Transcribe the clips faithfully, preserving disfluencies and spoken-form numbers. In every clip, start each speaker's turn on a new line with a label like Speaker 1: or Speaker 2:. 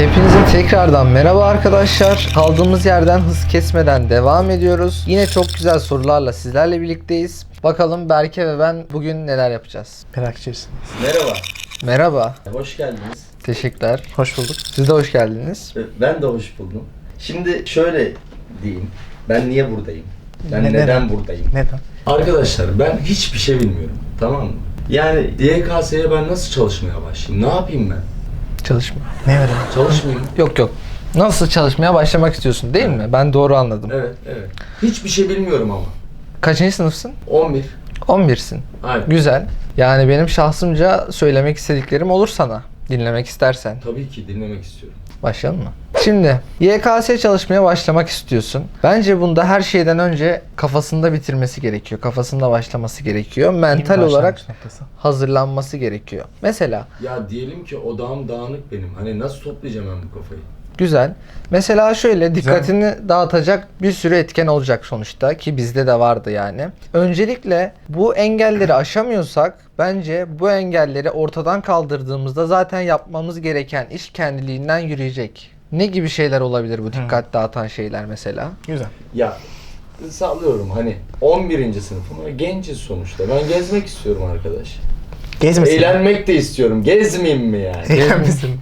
Speaker 1: Hepinize tekrardan merhaba arkadaşlar. Kaldığımız yerden hız kesmeden devam ediyoruz. Yine çok güzel sorularla sizlerle birlikteyiz. Bakalım Berke ve ben bugün neler yapacağız?
Speaker 2: Merak içerisinde.
Speaker 3: Merhaba.
Speaker 1: Merhaba.
Speaker 3: Hoş geldiniz.
Speaker 1: Teşekkürler.
Speaker 2: Hoş bulduk.
Speaker 1: Siz de hoş geldiniz.
Speaker 3: Ben de hoş buldum. Şimdi şöyle diyeyim. Ben niye buradayım? Ben
Speaker 2: Neden?
Speaker 3: neden buradayım?
Speaker 2: Neden?
Speaker 3: Arkadaşlar ben hiçbir şey bilmiyorum. Tamam mı? Yani Y K S'ye ben nasıl çalışmaya başlayayım? Ne yapayım ben?
Speaker 1: Çalışma.
Speaker 2: Ne verelim?
Speaker 3: Çalışmayayım.
Speaker 1: Yok yok. Nasıl çalışmaya başlamak istiyorsun değil mi? Ben doğru anladım.
Speaker 3: Evet, evet. Hiçbir şey bilmiyorum ama.
Speaker 1: Kaçıncı sınıfsın?
Speaker 3: on bir.
Speaker 1: on birsin.
Speaker 3: Aynen.
Speaker 1: Güzel. Yani benim şahsımca söylemek istediklerim olur sana. Dinlemek istersen.
Speaker 3: Tabii ki dinlemek istiyorum.
Speaker 1: Başlayalım mı? Şimdi Y K S çalışmaya başlamak istiyorsun. Bence bunda her şeyden önce kafasında bitirmesi gerekiyor. Kafasında başlaması gerekiyor. Mental
Speaker 2: Başlangıç
Speaker 1: olarak
Speaker 2: noktası.
Speaker 1: hazırlanması gerekiyor. Mesela
Speaker 3: Ya diyelim ki odağım dağınık benim. Hani nasıl toplayacağım ben bu kafayı?
Speaker 1: güzel. Mesela şöyle dikkatini dağıtacak bir sürü etken olacak sonuçta ki bizde de vardı yani. Öncelikle bu engelleri aşamıyorsak bence bu engelleri ortadan kaldırdığımızda zaten yapmamız gereken iş kendiliğinden yürüyecek. Ne gibi şeyler olabilir bu dikkat dağıtan şeyler mesela?
Speaker 2: Güzel.
Speaker 3: Ya sallıyorum hani on birinci sınıfım ama genciz sonuçta. Ben gezmek istiyorum arkadaş.
Speaker 2: Gezmesin.
Speaker 3: Eğlenmek de istiyorum. Gezmeyeyim mi yani?
Speaker 2: Eğlenmesin.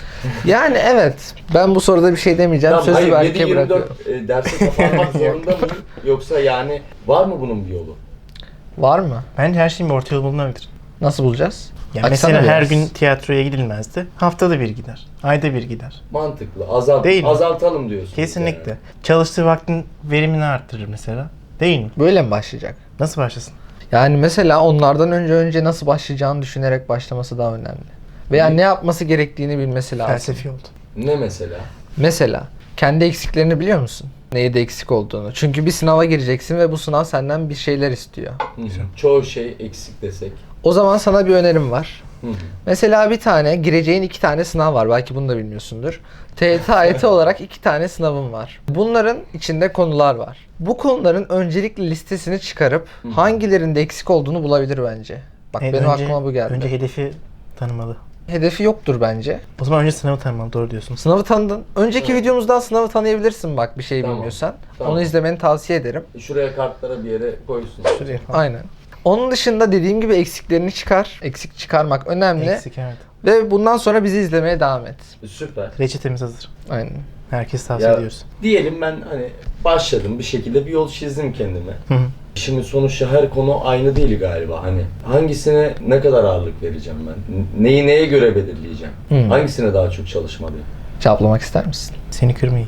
Speaker 1: Yani evet. Ben bu soruda bir şey demeyeceğim.
Speaker 3: Tamam,
Speaker 1: Sözü
Speaker 3: hayır,
Speaker 1: Berke'ye
Speaker 3: yedi yirmi
Speaker 1: bırakıyorum.
Speaker 3: dört e, derse kapanmak zorunda mıyım? Yoksa yani var mı bunun bir yolu?
Speaker 1: Var mı?
Speaker 2: Bence her şeyin bir orta yolu bulunabilir.
Speaker 1: Nasıl bulacağız?
Speaker 2: Yani
Speaker 1: Açsana
Speaker 2: mesela her
Speaker 1: biraz.
Speaker 2: gün tiyatroya gidilmezdi. Haftada bir gider. Ayda bir gider.
Speaker 3: Mantıklı. Azalt,
Speaker 2: Değil mi?
Speaker 3: azaltalım diyorsunuz.
Speaker 2: Kesinlikle.
Speaker 3: yani.
Speaker 2: Çalıştığı vaktin verimini arttırır mesela. Değil mi?
Speaker 1: Böyle mi başlayacak?
Speaker 2: Nasıl başlasın?
Speaker 1: Yani mesela onlardan önce önce nasıl başlayacağını düşünerek başlaması daha önemli. Veya ne yapması gerektiğini bilmesi lazım.
Speaker 2: Felsefi oldu.
Speaker 3: Ne mesela?
Speaker 1: Mesela kendi eksiklerini biliyor musun? Neyde eksik olduğunu. Çünkü bir sınava gireceksin ve bu sınav senden bir şeyler istiyor.
Speaker 3: Hı hı. Çoğu şey eksik desek.
Speaker 1: O zaman sana bir önerim var.
Speaker 3: Hı hı.
Speaker 1: Mesela bir tane gireceğin iki tane sınav var. Belki bunu da bilmiyorsundur. T Y T A Y T olarak iki tane sınavım var. Bunların içinde konular var. Bu konuların öncelikli listesini çıkarıp hangilerinde eksik olduğunu bulabilir bence. Bak
Speaker 2: Evet,
Speaker 1: benim
Speaker 2: önce-
Speaker 1: aklıma bu geldi.
Speaker 2: Önce hedefi tanımalı.
Speaker 1: Hedefi yoktur bence.
Speaker 2: O zaman önce sınavı tanımalı. Doğru diyorsun.
Speaker 1: Sınavı tanıdın. Önceki
Speaker 3: Evet.
Speaker 1: videomuzdan sınavı tanıyabilirsin bak bir şey
Speaker 3: Tamam,
Speaker 1: bilmiyorsan.
Speaker 3: tamam.
Speaker 1: Onu izlemeni tavsiye ederim.
Speaker 3: Şuraya kartlara bir yere koysun.
Speaker 2: Şuraya falan.
Speaker 1: Aynen. Onun dışında dediğim gibi eksiklerini çıkar. Eksik çıkarmak önemli.
Speaker 2: Eksik, evet.
Speaker 1: Ve bundan sonra bizi izlemeye devam et.
Speaker 3: Süper.
Speaker 2: Reçetemiz hazır.
Speaker 1: Aynen.
Speaker 2: Herkes tavsiye
Speaker 3: Ya,
Speaker 2: ediyoruz.
Speaker 3: diyelim ben hani başladım bir şekilde bir yol çizdim kendime.
Speaker 2: Hı hı.
Speaker 3: Şimdi sonuçta her konu aynı değil galiba. Hani hangisine ne kadar ağırlık vereceğim ben? Neyi neye göre belirleyeceğim?
Speaker 1: Hmm.
Speaker 3: Hangisine daha çok çalışmalıyım?
Speaker 1: Cevaplamak ister misin?
Speaker 2: Seni kırmayı.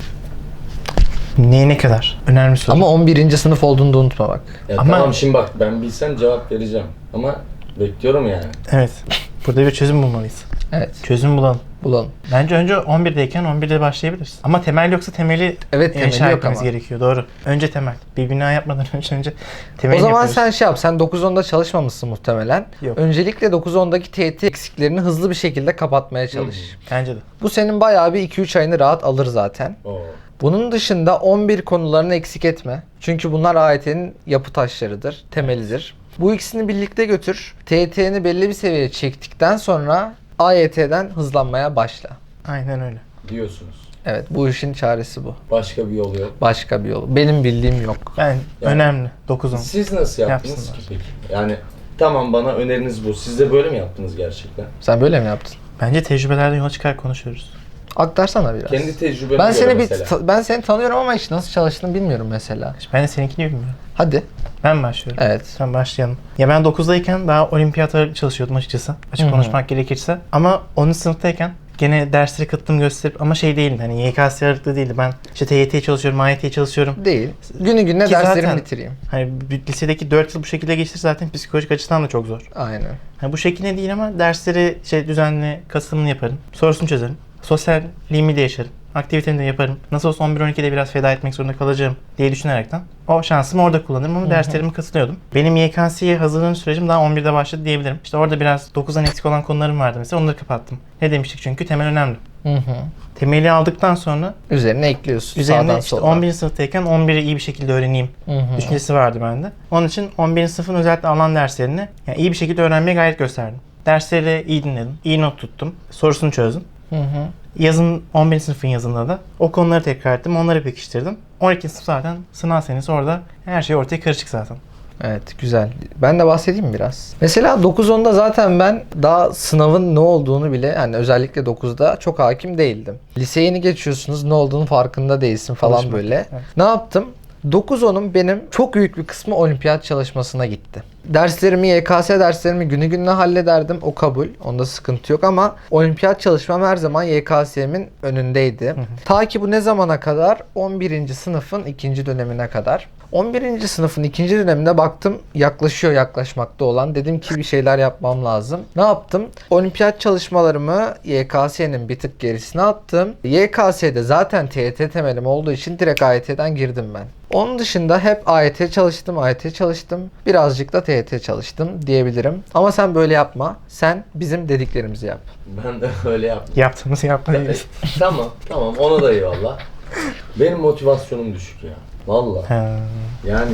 Speaker 2: Neye ne kadar? Önemli soru.
Speaker 1: Ama on birinci sınıf olduğunu da unutma bak.
Speaker 3: Ya
Speaker 2: Ama-
Speaker 3: tamam şimdi bak ben bilsem cevap vereceğim. Ama bekliyorum yani.
Speaker 2: Evet. Burada bir çözüm bulmalıyız.
Speaker 1: Evet.
Speaker 2: Çözüm bulalım.
Speaker 1: Bulalım.
Speaker 2: Bence önce on birdeyken on birde başlayabiliriz. Ama temel yoksa temeli
Speaker 1: Evet, temeli
Speaker 2: inşa
Speaker 1: yok
Speaker 2: etmemiz
Speaker 1: ama.
Speaker 2: gerekiyor. Doğru. Önce temel. Bir bina yapmadan önce önce temeli
Speaker 1: O zaman
Speaker 2: yapıyoruz.
Speaker 1: sen şey yap. Sen dokuz onda çalışmamışsın muhtemelen.
Speaker 2: Yok.
Speaker 1: Öncelikle dokuz ondaki T Y T eksiklerini hızlı bir şekilde kapatmaya çalış.
Speaker 2: Bence de.
Speaker 1: Bu senin bayağı bir iki üç ayını rahat alır zaten.
Speaker 3: Oo.
Speaker 1: Bunun dışında on bir konularını eksik etme. Çünkü bunlar A Y T'nin yapı taşlarıdır, temelidir. Bu ikisini birlikte götür. T Y T'ni belli bir seviyeye çektikten sonra A Y T'den hızlanmaya başla.
Speaker 2: Aynen öyle.
Speaker 3: Diyorsunuz.
Speaker 1: Evet, bu işin çaresi bu.
Speaker 3: Başka bir yol yok.
Speaker 1: Başka bir yol. Benim bildiğim yok.
Speaker 2: Ben
Speaker 3: Yani-
Speaker 2: önemli. dokuz on.
Speaker 3: Siz nasıl yaptınız
Speaker 2: Yapsınlar.
Speaker 3: ki peki? Yani tamam bana öneriniz bu. Siz de böyle mi yaptınız gerçekten?
Speaker 1: Sen böyle mi yaptın?
Speaker 2: Bence tecrübelerden yola çıkar konuşuyoruz.
Speaker 1: Aktarsana biraz.
Speaker 3: Kendi tecrübeme
Speaker 1: ben
Speaker 3: göre
Speaker 1: seni bir
Speaker 3: mesela.
Speaker 1: ta- ben seni tanıyorum ama hiç nasıl çalıştığını bilmiyorum mesela.
Speaker 2: Ben de seninkini bilmiyorum.
Speaker 1: Hadi.
Speaker 2: Ben başlıyorum.
Speaker 1: Evet.
Speaker 2: Sen başlayalım. Ya ben dokuzdayken daha olimpiyat ağırlıklı çalışıyordum açıkçası. Açık
Speaker 1: Hı hı.
Speaker 2: konuşmak gerekirse. Ama onuncu sınıftayken gene derslere katılım gösterip ama şey değildi hani Y K S ağırlıklı değildi. Ben işte T Y T'ye çalışıyorum, A Y T'ye çalışıyorum.
Speaker 1: Değil. Günü gününe
Speaker 2: Ki
Speaker 1: derslerimi
Speaker 2: zaten-
Speaker 1: bitireyim.
Speaker 2: Hani bir- lisedeki dört yıl bu şekilde geçti zaten psikolojik açıdan da çok zor.
Speaker 1: Aynen.
Speaker 2: Hani bu şekilde değil ama dersleri şey düzenli katılımını yaparım. Sorusunu çözerim. Sosyalliğimi de yaşarım. Aktivitemi de yaparım. Nasıl olsa on bir on ikide biraz feda etmek zorunda kalacağım diye düşünerekten o şansımı orada kullanırım ama derslerime katılıyordum. Benim Y K S'ye hazırlanış sürecim daha on birde başladı diyebilirim. İşte orada biraz dokuzdan eksik olan konularım vardı mesela onları kapattım. Ne demiştik çünkü temel önemli.
Speaker 1: Hı hı.
Speaker 2: Temeli aldıktan sonra
Speaker 1: Üzerine ekliyorsun
Speaker 2: üzerine
Speaker 1: sağdan
Speaker 2: işte
Speaker 1: soldan.
Speaker 2: on birinci sınıftayken on biri iyi bir şekilde öğreneyim
Speaker 1: Hı hı.
Speaker 2: düşüncesi vardı bende. Onun için on birinci sınıfın özellikle alan derslerini yani iyi bir şekilde öğrenmeye gayret gösterdim. Dersleri iyi dinledim, iyi not tuttum, sorusunu çözdüm.
Speaker 1: Hı hı.
Speaker 2: Yazın on birinci sınıfın yazında da o konuları tekrar ettim. Onları pekiştirdim. on ikinci sınıf zaten sınav senesi, orada her şey ortaya karışık zaten.
Speaker 1: Evet, güzel. Ben de bahsedeyim mi biraz? Mesela dokuz onda zaten ben daha sınavın ne olduğunu bile, yani özellikle dokuzda çok hakim değildim. Lise yeni geçiyorsunuz, ne olduğunu farkında değilsin falan
Speaker 2: Çalışmak,
Speaker 1: böyle.
Speaker 2: evet.
Speaker 1: Ne yaptım? dokuz onun benim çok büyük bir kısmı olimpiyat çalışmasına gitti. Derslerimi, Y K S derslerimi günü gününe hallederdim. O kabul. Onda sıkıntı yok ama olimpiyat çalışmam her zaman Y K S'min önündeydi. Hı hı. Ta ki bu ne zamana kadar? on birinci sınıfın ikinci dönemine kadar. on birinci sınıfın ikinci döneminde baktım yaklaşıyor yaklaşmakta olan. Dedim ki bir şeyler yapmam lazım. Ne yaptım? Olimpiyat çalışmalarımı Y K S'nin bir tık gerisine attım. Y K S'de zaten T Y T temelim olduğu için direkt A Y T'den girdim ben. Onun dışında hep A Y T çalıştım, A Y T çalıştım. Birazcık da T Y T çalıştım diyebilirim. Ama sen böyle yapma. Sen bizim dediklerimizi yap.
Speaker 3: Ben de öyle yaptım.
Speaker 2: Yaptığımızı yapmalıyız.
Speaker 3: Tamam, tamam. Ona da eyvallah. Benim motivasyonum düşük ya. Vallahi.
Speaker 2: Ha.
Speaker 3: Yani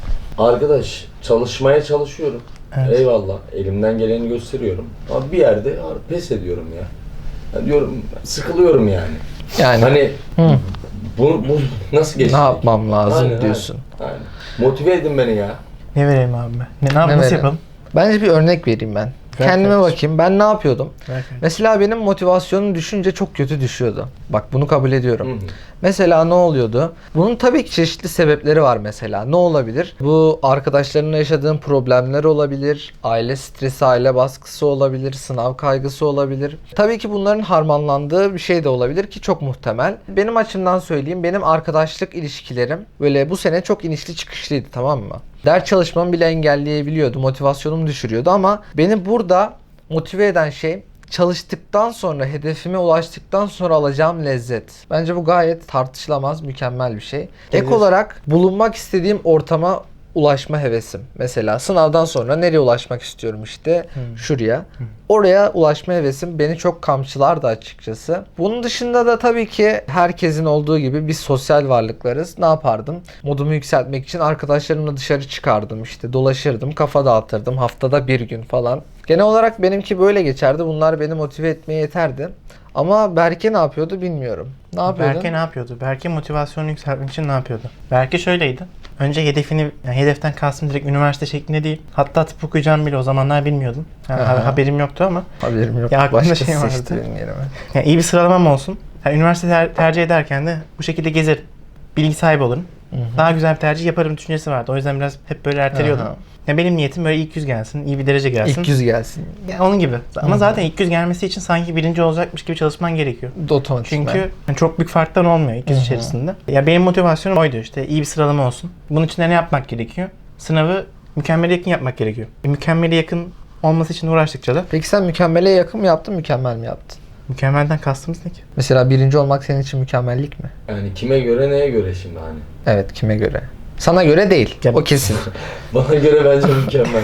Speaker 3: arkadaş çalışmaya çalışıyorum.
Speaker 2: Evet.
Speaker 3: Eyvallah. Elimden geleni gösteriyorum. Ama bir yerde pes ediyorum ya. Ya diyorum, sıkılıyorum yani.
Speaker 1: Yani
Speaker 3: Hani
Speaker 1: Hı.
Speaker 3: bu, bu nasıl geçecek?
Speaker 1: ne yapmam lazım
Speaker 3: Aynen,
Speaker 1: diyorsun.
Speaker 3: Aynen, aynen. Motive edin beni ya.
Speaker 2: Ne verelim abi? Ne, ne, yap-
Speaker 1: Ne
Speaker 2: nasıl
Speaker 1: verelim?
Speaker 2: yapalım?
Speaker 1: Bence bir örnek vereyim ben.
Speaker 2: Ver
Speaker 1: Kendime
Speaker 2: kardeşim.
Speaker 1: bakayım. Ben ne yapıyordum?
Speaker 2: Ver kardeşim.
Speaker 1: Mesela benim motivasyonum düşünce çok kötü düşüyordu. Bak bunu kabul ediyorum.
Speaker 3: Hı hı.
Speaker 1: Mesela ne oluyordu? Bunun tabii ki çeşitli sebepleri var mesela. Ne olabilir? Bu arkadaşlarınla yaşadığın problemler olabilir. Aile stresi, aile baskısı olabilir. Sınav kaygısı olabilir. Tabii ki bunların harmanlandığı bir şey de olabilir ki çok muhtemel. Benim açımdan söyleyeyim. Benim arkadaşlık ilişkilerim böyle bu sene çok inişli çıkışlıydı, tamam mı? Ders çalışmamı bile engelleyebiliyordu. Motivasyonumu düşürüyordu ama beni burada motive eden şey çalıştıktan sonra, hedefime ulaştıktan sonra alacağım lezzet. Bence bu gayet tartışılamaz, mükemmel bir şey. Ek
Speaker 2: Evet.
Speaker 1: olarak bulunmak istediğim ortama ulaşma hevesim. Mesela sınavdan sonra nereye ulaşmak istiyorum işte?
Speaker 2: Hmm.
Speaker 1: Şuraya. Oraya ulaşma hevesim beni çok kamçılardı açıkçası. Bunun dışında da tabii ki herkesin olduğu gibi biz sosyal varlıklarız. Ne yapardım? Modumu yükseltmek için arkadaşlarımla dışarı çıkardım işte. Dolaşırdım, kafa dağıtırdım haftada bir gün falan. Genel olarak benimki böyle geçerdi. Bunlar beni motive etmeye yeterdi. Ama Berke ne yapıyordu bilmiyorum. Ne yapıyordu?
Speaker 2: Berke ne yapıyordu? Berke motivasyonunu yükseltmek için ne yapıyordu? Berke şöyleydi. Önce hedefini, yani hedeften kastım direkt üniversite şeklinde değil. Hatta tıp okuyacağımı bile o zamanlar bilmiyordum. Yani
Speaker 1: Aha.
Speaker 2: haberim yoktu ama.
Speaker 1: Haberim yok.
Speaker 2: Ya aklımda
Speaker 1: Başkası
Speaker 2: şey vardı.
Speaker 1: seçti benim yerime.
Speaker 2: Yani iyi bir sıralamam olsun. Yani üniversite ter- tercih ederken de bu şekilde gezerim. Bilgi sahibi olurum.
Speaker 1: Hı hı.
Speaker 2: Daha güzel bir tercih yaparım düşüncesi vardı. O yüzden biraz hep böyle erteliyordum.
Speaker 1: Aha.
Speaker 2: Ya benim niyetim böyle ilk yüz gelsin, iyi bir derece gelsin.
Speaker 1: İlk yüz gelsin.
Speaker 2: Ya onun gibi. Ama
Speaker 1: Hı.
Speaker 2: zaten ilk yüz gelmesi için sanki birinci olacakmış gibi çalışman gerekiyor.
Speaker 1: Otomatik.
Speaker 2: Çünkü yani çok büyük farktan olmuyor ilk yüz
Speaker 1: Hı hı.
Speaker 2: içerisinde. Ya benim motivasyonum oydu işte, iyi bir sıralama olsun. Bunun için de ne yapmak gerekiyor? Sınavı mükemmele yakın yapmak gerekiyor. E, mükemmele yakın olması için uğraştıkça da
Speaker 1: Peki sen mükemmele yakın mı yaptın, mükemmel mi yaptın?
Speaker 2: mükemmelden kastımız ne ki?
Speaker 1: Mesela birinci olmak senin için mükemmellik mi?
Speaker 3: Yani kime göre neye göre şimdi hani?
Speaker 1: Evet, kime göre? Sana göre değil.
Speaker 2: Gel-
Speaker 1: O kesin.
Speaker 3: Bana göre bence mükemmel.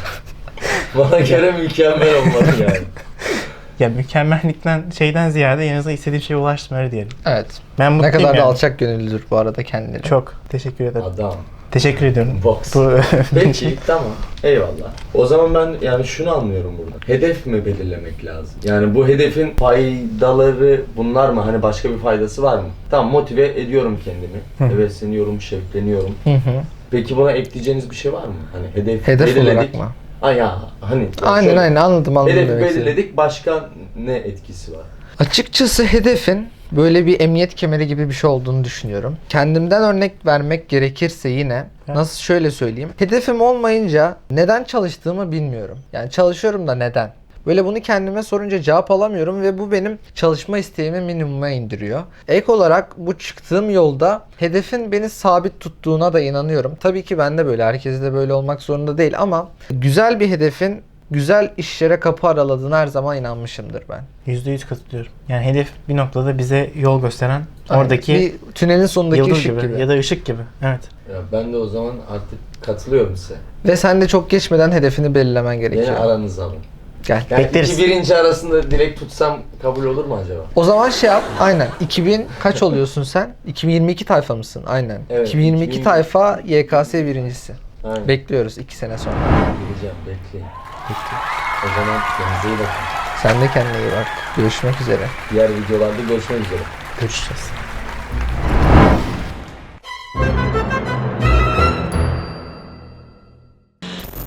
Speaker 3: Bana göre mükemmel olmalı yani.
Speaker 2: Ya mükemmellikten şeyden ziyade en azından istediğim şeye ulaştım, öyle diyelim.
Speaker 1: Evet.
Speaker 2: Ben
Speaker 1: Ne
Speaker 2: mutluyum
Speaker 1: kadar da
Speaker 2: yani.
Speaker 1: alçak gönüllüdür bu arada kendileri.
Speaker 2: Çok teşekkür ederim.
Speaker 3: Adam.
Speaker 2: Teşekkür ediyorum.
Speaker 3: Box.
Speaker 2: Bu
Speaker 3: Peki tamam. Eyvallah. O zaman ben yani şunu anlıyorum burada. Hedef mi belirlemek lazım? Yani bu hedefin faydaları bunlar mı? Hani başka bir faydası var mı? Tamam, motive ediyorum kendimi.
Speaker 2: Hı.
Speaker 3: Hevesleniyorum, şevkleniyorum.
Speaker 1: Hı hı.
Speaker 3: Peki buna ekleyeceğiniz bir şey var mı? Hani hedef,
Speaker 1: Hedef
Speaker 3: belirledik.
Speaker 1: olarak mı?
Speaker 3: Ay ya hani.
Speaker 1: Aynen
Speaker 3: şöyle,
Speaker 1: aynen anladım anladım.
Speaker 3: Hedefi
Speaker 1: demek istediğini.
Speaker 3: belirledik, başka ne etkisi var?
Speaker 1: Açıkçası hedefin böyle bir emniyet kemeri gibi bir şey olduğunu düşünüyorum. Kendimden örnek vermek gerekirse yine
Speaker 2: Evet.
Speaker 1: nasıl şöyle söyleyeyim. Hedefim olmayınca neden çalıştığımı bilmiyorum. Yani çalışıyorum da neden? Böyle bunu kendime sorunca cevap alamıyorum ve bu benim çalışma isteğimi minimuma indiriyor. Ek olarak bu çıktığım yolda hedefin beni sabit tuttuğuna da inanıyorum. Tabii ki ben de böyle, herkes de böyle olmak zorunda değil ama güzel bir hedefin güzel işlere kapı araladığına her zaman inanmışımdır ben.
Speaker 2: yüzde yüz katılıyorum. Yani hedef bir noktada bize yol gösteren,
Speaker 1: Aynen.
Speaker 2: oradaki
Speaker 1: bir tünelin sonundaki
Speaker 2: yıldız
Speaker 1: ışık
Speaker 2: gibi,
Speaker 1: gibi.
Speaker 2: ya da ışık gibi. Evet.
Speaker 3: Ya ben de o zaman artık katılıyorum size.
Speaker 1: Ve sen de çok geçmeden hedefini belirlemen
Speaker 3: Beni
Speaker 1: gerekiyor.
Speaker 3: aranıza alın.
Speaker 1: Gel.
Speaker 3: Yani
Speaker 2: Bekleriz.
Speaker 3: iki birinci arasında dilek tutsam kabul olur mu acaba?
Speaker 1: O zaman şey yap. Aynen. iki bin kaç oluyorsun sen? iki bin yirmi iki tayfa mısın? Aynen.
Speaker 3: Evet,
Speaker 1: iki bin yirmi iki
Speaker 3: iki bin-
Speaker 1: tayfa Y K S birincisi.
Speaker 3: Aynen.
Speaker 1: Bekliyoruz iki sene sonra.
Speaker 3: Gireceğim, bekleyin. O zaman kendinize iyi bakın.
Speaker 1: Sen de kendine iyi bak. Görüşmek üzere.
Speaker 3: Diğer videolarda görüşmek üzere.
Speaker 2: Görüşeceğiz.